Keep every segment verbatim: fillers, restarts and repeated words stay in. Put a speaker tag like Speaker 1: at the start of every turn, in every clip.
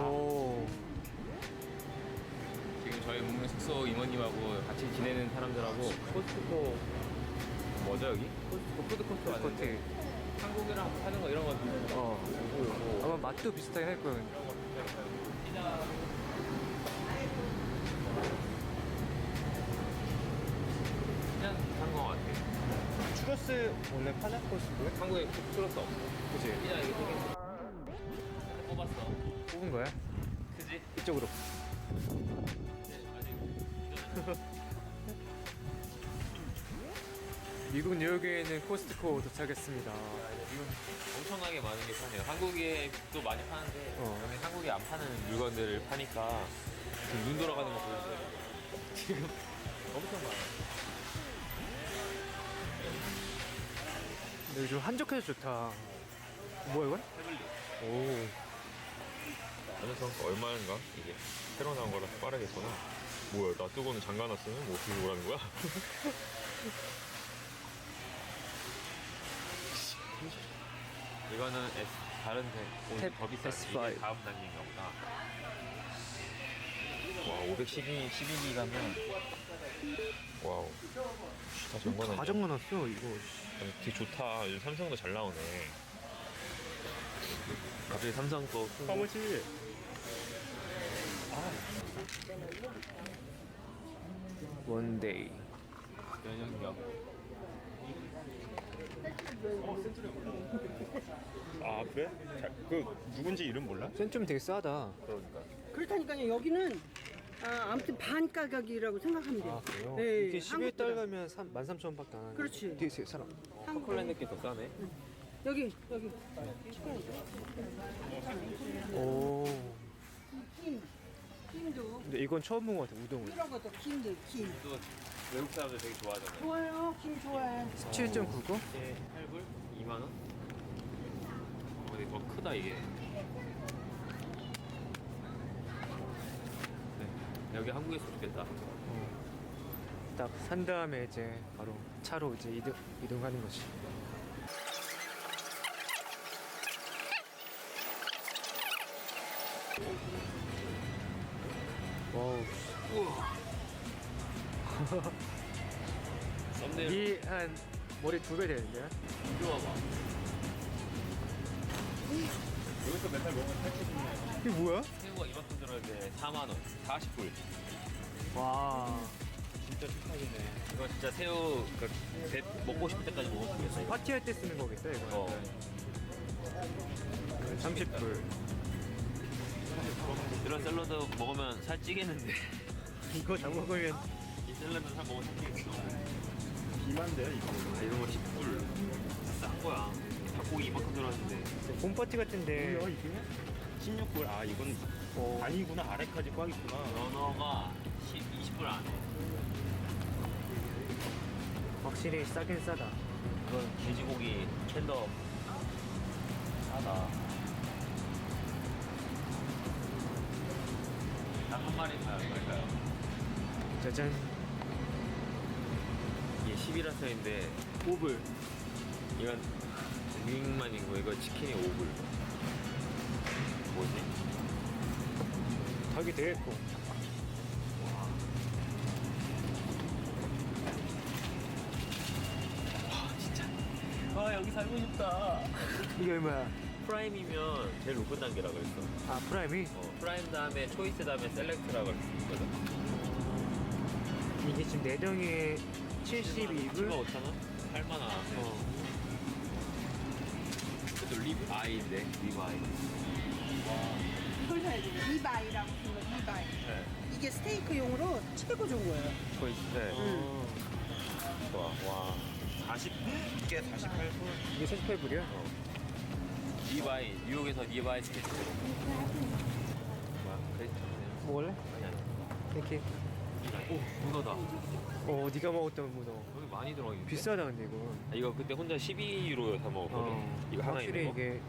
Speaker 1: 오.
Speaker 2: 지금 저희 묵는 숙소 임원님하고 같이 지내는 사람들하고 코스트코 뭐죠 여기? 코스트코 푸드코트 왔는데 한국이랑 사는 거 이런 거 비슷해요.
Speaker 1: 어.
Speaker 2: 요거 요거
Speaker 1: 아마 맛도 비슷하게 할 거예요.
Speaker 2: 이런 거 비슷해요. 피자 그냥 산거 같아.
Speaker 1: 추러스 원래 파나 코스트코에?
Speaker 2: 한국에 추러스 없어.
Speaker 1: 그치?
Speaker 2: 피자 이게 되게 뽑았어.
Speaker 1: 뽑은 거야?
Speaker 2: 그지?
Speaker 1: 이쪽으로.
Speaker 2: 네, 아직
Speaker 1: 미국 뉴욕에는 코스트코 도착했습니다.
Speaker 2: 지금 엄청나게 많은 게 파네요. 한국에 또 많이 파는데
Speaker 1: 어.
Speaker 2: 여기 한국에 안 파는 물건들을 파니까 지금 눈 돌아가는 거 보여주세요. 지금 엄청 많아요.
Speaker 1: 근데 요즘 한적해서 좋다. 뭐야 이건?
Speaker 2: 태블릿.
Speaker 1: 오.
Speaker 2: 안에서 얼마인가? 이게 새로 나온 거라서 빠르겠구나. 뭐야, 나 뜨고는 잠가놨으면 뭐 어떻게 오라는 거야? 이거는 S, 다른 데,
Speaker 1: 탭
Speaker 2: 더 비싼
Speaker 1: 에스
Speaker 2: 이게
Speaker 1: 파이브.
Speaker 2: 다음 단계인가 보다. 와, 오백십이, 십이 기가면 와우. 다 정거는
Speaker 1: 다 적어놨어 이거.
Speaker 2: 되게 좋다. 요즘 삼성도 잘 나오네. 갑자기 삼성 거
Speaker 1: 사무실. 원데이.
Speaker 2: 면역력.
Speaker 3: 아 그래? 자, 그 누군지 이름 몰라?
Speaker 1: 센좀 되게 싸다.
Speaker 2: 그러니까.
Speaker 4: 그렇다니까요. 여기는 아, 아무튼 반 가격이라고 생각하면 돼요.
Speaker 1: 아 그래요?
Speaker 4: 네,
Speaker 1: 이게 십일 달
Speaker 4: 한국보다.
Speaker 1: 가면 만 삼천 원밖에 안 하네.
Speaker 4: 그렇지.
Speaker 1: 되게 세 사람.
Speaker 2: 초콜릿 느낌 더 싸네.
Speaker 4: 여기 여기
Speaker 1: 오.
Speaker 4: 김 김도
Speaker 1: 근데 이건 처음 본 것 같아 우동은.
Speaker 4: 이런 것도 김도 김
Speaker 2: 또 외국 사람들 되게 좋아하잖아요.
Speaker 4: 좋아요. 김 좋아해.
Speaker 1: 칠 점 구구?
Speaker 2: 이게 팔 불? 이만 원? 어, 근데 더 크다 이게. 네, 여기 한국에서 좋겠다.
Speaker 1: 딱 산 다음에 이제 바로 차로 이제 이동, 이동하는 거지. 와우.
Speaker 2: 썸네일
Speaker 1: 이 한 머리 두 배 되는데요?
Speaker 2: 이리 와봐. 여기서 맨날 먹으면 팔십이네.
Speaker 1: 이게 뭐야?
Speaker 2: 새우가 이만큼 들어있는데 사만 원. 사십 불.
Speaker 1: 와.
Speaker 2: 진짜 축하이네. 이거 진짜 새우 그 배 먹고 싶을 때까지 먹을 수 있겠어. 이거.
Speaker 1: 파티할 때 쓰는 거겠다 이거.
Speaker 2: 어.
Speaker 1: 삼십 불.
Speaker 2: 이런 샐러드 먹으면 살 찌겠는데.
Speaker 1: 이거 다 먹으면
Speaker 2: 이 샐러드 살 먹으면 살 찌겠어.
Speaker 3: 비만데 이거.
Speaker 2: 아, 이런 거 십 불. 싼 거야. 닭고기 이만큼 들어갔는데.
Speaker 1: 봄 파티 같은데.
Speaker 3: 뭐야 이게? 십육 불. 아 이건
Speaker 1: 어.
Speaker 3: 아니구나. 아래까지 꽉 있구나.
Speaker 2: 연어가 십, 이십 불 안 해.
Speaker 1: 확실히 싸긴 싸다.
Speaker 2: 이건 돼지고기 캔더. 싸다. 닭 한 마리 다 얼마일까요?
Speaker 1: 짜잔.
Speaker 2: 이게 십이라서인데 오 불. 이건 윙만 있고 이거 치킨이 오 불. 뭐지?
Speaker 1: 닭이 되게 커.
Speaker 2: 와 여기 살고 싶다.
Speaker 1: 이게 얼마야?
Speaker 2: 프라임이면 제일 높은 단계라고 했어.
Speaker 1: 아 프라임이?
Speaker 2: 어, 프라임 다음에 초이스 다음에 셀렉트라고 했거든.
Speaker 1: 이게 지금 네 명에 칠십이 불?
Speaker 2: 칠만 오천 원? 팔만 원.
Speaker 1: 어.
Speaker 2: 그래도 립아이인데 립아이.
Speaker 4: 이걸 사야 돼. 리바이라고 쓰는 거 리바이.
Speaker 2: 네.
Speaker 4: 이게 스테이크용으로 최고 좋은 거예요.
Speaker 2: 초이스. 네.
Speaker 1: 어.
Speaker 2: 좋아. 와.
Speaker 3: 사십 이게 사십팔 불.
Speaker 1: 이게 사십팔 불이야?
Speaker 2: 리바이. 뉴욕에서 리바이 스케치. 뭐야? 크레딧 카드.
Speaker 1: 먹을래?
Speaker 2: 아니 아니.
Speaker 1: 이렇게.
Speaker 2: 오 문어다.
Speaker 1: 어 네가 먹었던 문어.
Speaker 2: 여기 많이 들어가 있는데.
Speaker 1: 비싸다 근데 이거.
Speaker 2: 아, 이거 그때 혼자 십이 유로 사 먹었거든.
Speaker 1: 어.
Speaker 2: 이거 하나
Speaker 1: 확실히
Speaker 2: 있는 거.
Speaker 1: 이게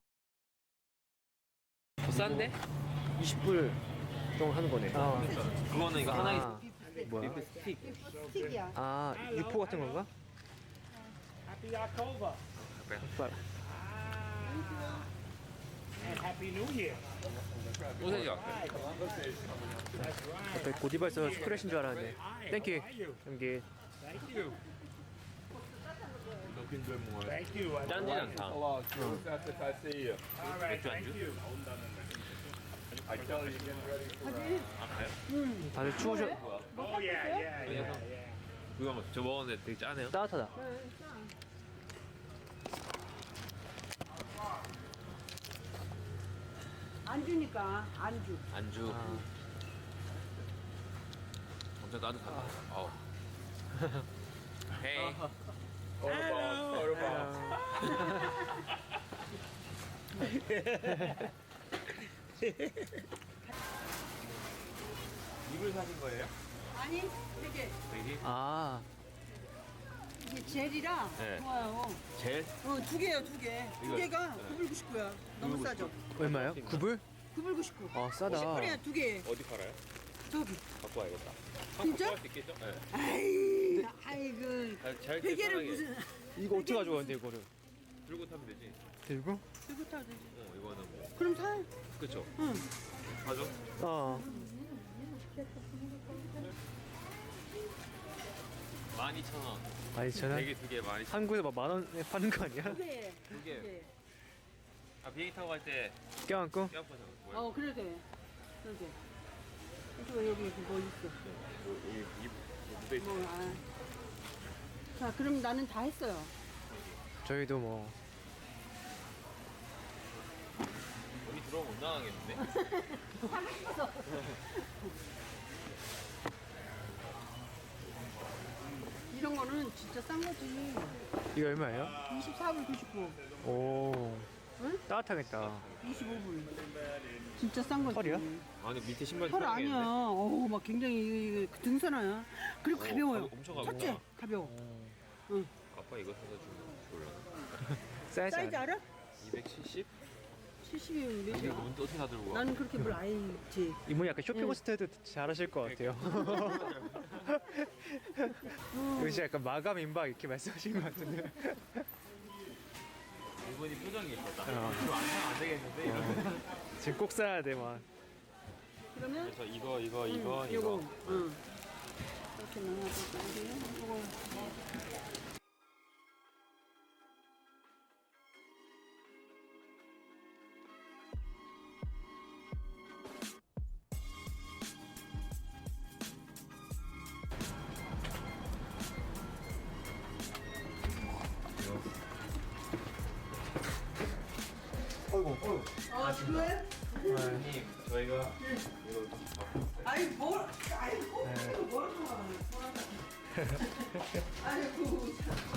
Speaker 2: 더 싼데?
Speaker 1: 이십 불 정도 하는 거네. 아.
Speaker 2: 그거는 이거 하나에
Speaker 1: 아. 뭐야?
Speaker 2: 비프 스틱.
Speaker 4: 스틱이야.
Speaker 1: 아 육포 같은 건가?
Speaker 3: Happy October
Speaker 1: 빨.
Speaker 3: and Happy New Year.
Speaker 2: 소세지 같아.
Speaker 1: 앞에 고디바에서 초콜릿인 줄 알았는데. 땡큐. 여기
Speaker 2: 짠지 않다. 맥주 안주? 아, 가요?
Speaker 1: 다들 추우셔.
Speaker 2: 그거 한번 저 먹었는데 되게 짜네요.
Speaker 1: 따뜻하다.
Speaker 4: 안주니까 안주.
Speaker 2: 안주.
Speaker 1: 아.
Speaker 2: 엄청 따뜻하다. 어우. 헤이.
Speaker 3: 이불 사신 거예요?
Speaker 4: 아니 되게
Speaker 2: 되게
Speaker 1: 아,
Speaker 4: 이게 젤이라
Speaker 2: 네.
Speaker 4: 좋아요.
Speaker 2: 젤?
Speaker 4: 어, 두 개요, 두 개. 두
Speaker 2: 이거,
Speaker 4: 개가
Speaker 2: 네.
Speaker 4: 구불 구십구야. 너무 싸죠?
Speaker 1: 얼마요? 구불?
Speaker 4: 구불 구십구.
Speaker 1: 아, 싸다.
Speaker 4: 십 불이야, 두 개.
Speaker 2: 어디 팔아요?
Speaker 4: 저기.
Speaker 2: 갖고 와야겠다.
Speaker 4: 진짜?
Speaker 2: 할수 있겠죠? 네.
Speaker 4: 아이, 아이고.
Speaker 2: 잘, 잘
Speaker 4: 베개를
Speaker 2: 편하게
Speaker 4: 무슨
Speaker 1: 이거 어떻게 가져가는데 이거를?
Speaker 2: 들고 타면 되지.
Speaker 1: 들고?
Speaker 4: 들고 타도 되지.
Speaker 2: 어, 이거는 뭐.
Speaker 4: 그럼 사.
Speaker 2: 그쵸?
Speaker 4: 응.
Speaker 2: 가죠?
Speaker 1: 어.
Speaker 2: 만 이천 원.
Speaker 1: 아니 저는
Speaker 2: 베개 두 개 만 이천 원.
Speaker 1: 한국에서 막 만 원에 파는 거 아니야?
Speaker 4: 두 개.
Speaker 2: 두 개.
Speaker 4: 개.
Speaker 2: 아, 비행기 타고 갈 때
Speaker 1: 껴안고?
Speaker 2: 껴안고 자는 거예요?
Speaker 4: 어, 그래 돼. 그래 돼. 저 여기 뭐 있어?
Speaker 2: 여기 이, 이 무대 있어.
Speaker 4: 뭐, 아. 자, 그럼 나는 다 했어요.
Speaker 1: 저희도 뭐
Speaker 2: 여기 들어오면 못 나가겠는데?
Speaker 4: 이런 거는 진짜 싼 거지.
Speaker 1: 이거 얼마예요?
Speaker 4: 이십사 불 구십구.
Speaker 1: 오,
Speaker 4: 응?
Speaker 1: 따뜻하겠다.
Speaker 4: 이십오 불. 진짜 싼 거지.
Speaker 1: 털이야?
Speaker 2: 아니 밑에 신발
Speaker 4: 털 아니야. 어우, 막 굉장히 등산화야. 그리고 가벼워요.
Speaker 2: 가벼- 엄청 가벼워.
Speaker 4: 첫째, 가벼워. 응.
Speaker 2: 아빠 이거 사다 주면 몰라.
Speaker 1: 사이즈
Speaker 4: 사이즈
Speaker 1: 안-
Speaker 4: 알아?
Speaker 2: 이백칠십?
Speaker 4: 칠십이면
Speaker 2: 이게
Speaker 4: 몇이야?
Speaker 2: 뭔 어떻게 다 들고 가?
Speaker 4: 나는 그렇게 뭘 알지.
Speaker 1: 이모님 약간 쇼핑 호스트도 잘하실 것 같아요. 역시 약간 마감 임박 이렇게 말씀하신 것 같은데.
Speaker 2: 이분이 표정이 있었다.
Speaker 1: 어.
Speaker 2: 이거 안 사면 안 되겠는데? 이러면.
Speaker 1: 지금 꼭 사야 돼, 막.
Speaker 4: 그러면
Speaker 2: 그래서 이거 이거 이거
Speaker 4: 응,
Speaker 2: 이거.
Speaker 4: 요거. 응. 이렇게 나눠서 요거. 어, 그래?
Speaker 2: 선생님 저희가 이거
Speaker 4: 아이 뭘, 아이고, 뭘 좋아하는 아이고,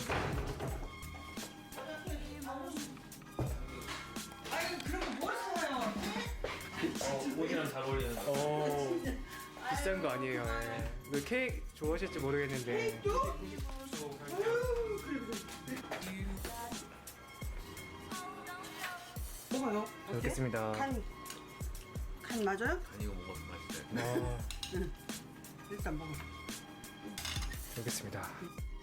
Speaker 4: 아이고, 그럼 뭘 사요?
Speaker 2: 어, 옷이랑 잘 어울리는 거.
Speaker 1: 오, 비싼 거 아니에요. 예. 이거 케이크 좋아하실지 모르겠는데.
Speaker 4: 또? 아유, 그래, 그래. 먹어요.
Speaker 1: 잘 먹겠습니다.
Speaker 4: 간, 간 맞아요?
Speaker 2: 아니 이거 먹으면 맛있어요.
Speaker 1: 어,
Speaker 4: 응. 일단 먹어.
Speaker 1: 잘 먹겠습니다.